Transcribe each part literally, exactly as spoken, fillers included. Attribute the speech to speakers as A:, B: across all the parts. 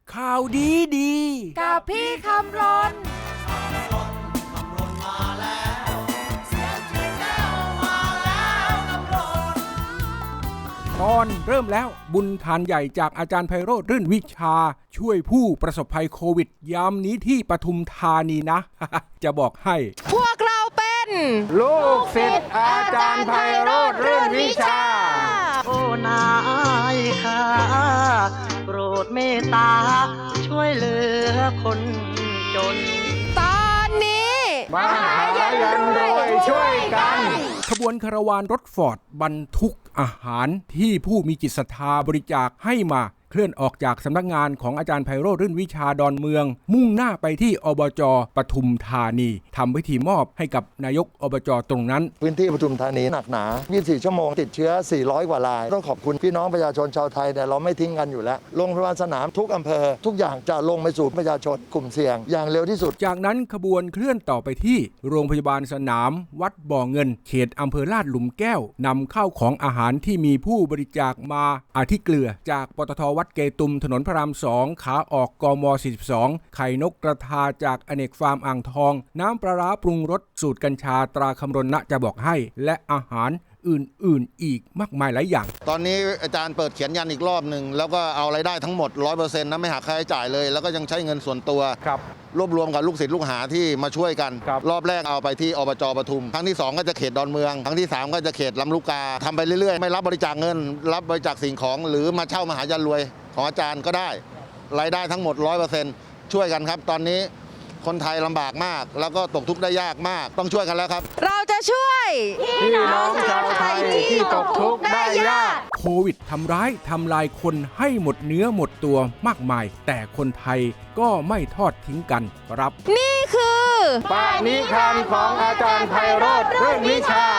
A: ข่าวดีดี
B: กับพี่คำรน
A: ตอนเริ่มแล้วบุญทานใหญ่จากอาจารย์ไพโรจน์รื่นวิชาช่วยผู้ประสบภัยโควิดยามนี้ที่ปทุมธานีนะ จะบอกให้
B: พวกเราเป็น
A: ลูกศิษย์อาจารย์ไพโรจน์รื่นวิชา
C: โอ้นายค่ะโปรดเมตตาช่วยเหลือคนจน
B: ตอนนี้
A: มาหายันรวยช่วยกันขบวนคาราวานรถฟอร์ดบรรทุกอาหารที่ผู้มีจิตศรัทธาบริจาคให้มาเคลื่อนออกจากสำนักงานของอาจารย์ไพโรจน์รื่นวิชาดอนเมืองมุ่งหน้าไปที่อบจ.ปทุมธานีทำพิธีมอบให้กับนายกอบจ.ตรงนั้น
D: พื้นที่ปทุมธานีหนักหนายี่สิบสี่ชั่วโมงติดเชื้อสี่ร้อยกว่ารายต้องขอบคุณพี่น้องประชาชนชาวไทยเนี่ยเราไม่ทิ้งกันอยู่แล้วโรงพยาบาลสนามทุกอำเภอทุกอย่างจะลงไปสู่ประชาชนกลุ่มเสี่ยงอย่างเร็วที่สุด
A: จากนั้นขบวนเคลื่อนต่อไปที่โรงพยาบาลสนามวัดบ่อเงินเขตอำเภอลาดหลุมแก้วนำข้าวของอาหารที่มีผู้บริจาคมาอาทิเกลือจากปตท.วัดเกตุมถนนพระรามสองขาออกกมสี่สิบสองไข่นกกระทาจากอเนกฟาร์มอ่างทองน้ำปลาร้าปรุงรสสูตรกัญชาตราคำรณนะจะบอกให้และอาหารอื่นๆอีกมากมายหลายอย่าง
E: ตอนนี้อาจารย์เปิดเขียนยันอีกรอบหนึ่งแล้วก็เอารายได้ทั้งหมด ร้อยเปอร์เซ็นต์ นะไม่หักค่าใช้จ่ายเลยแล้วก็ยังใช้เงินส่วนตัว
A: ครับ
E: รวบรวมกับลูกศิษย์ลูกหาที่มาช่วยกัน
A: ร,
E: รอบแรกเอาไปที่อบจ.ปทุมครั้งที่สองก็จะเขตดอนเมืองครั้งที่สามก็จะเขตลำลูกกาทำไปเรื่อยๆไม่รับบริจาคเงินรับบริจาคสิ่งของหรือมาเช่ามหายันรวยของอาจารย์ก็ได้รายได้ทั้งหมด ร้อยเปอร์เซ็นต์ ช่วยกันครับตอนนี้คนไทยลำบากมากแล้วก็ตกทุกข์ได้ยากมากต้องช่วยกันแล้วครับ
B: เราจะช่วย
A: พี่น้องชาวไทยที่ตกทุกข์ได้ยากโควิดทำร้ายทำลายคนให้หมดเนื้อหมดตัวมากมายแต่คนไทยก็ไม่ทอดทิ้งกันครับ
B: นี่คือ
A: ปาณิธานของอาจารย์ไพโรจน์รื่นวิชา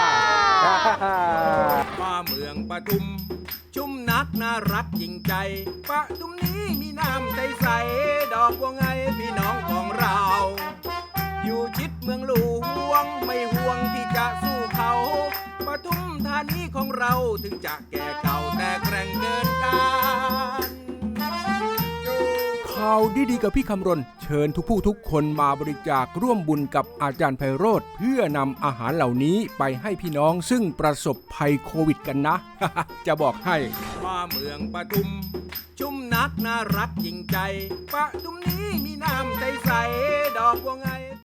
A: มาเมืองปทุมชุ่มนักน่ารักจริงใจปทุมนี้มีน้ำใสๆดอกบัวไงพี่น้องของเราอยู่ชิดเมืองหลวงไม่ห่วงที่จะสู้เขาปทุมธานีของเราถึงจะแก่เก่าแต่แกร่งเกินการข่าวดีๆกับพี่คำรณเชิญทุกผู้ทุกคนมาบริจาคร่วมบุญกับอาจารย์ไพโรจน์เพื่อนำอาหารเหล่านี้ไปให้พี่น้องซึ่งประสบภัยโควิดกันนะ จะบอกให้มาเมืองปทุมชุ่มนักน่ารักจริงใจปทุมนี้มีน้ำใสๆดอกบัวไง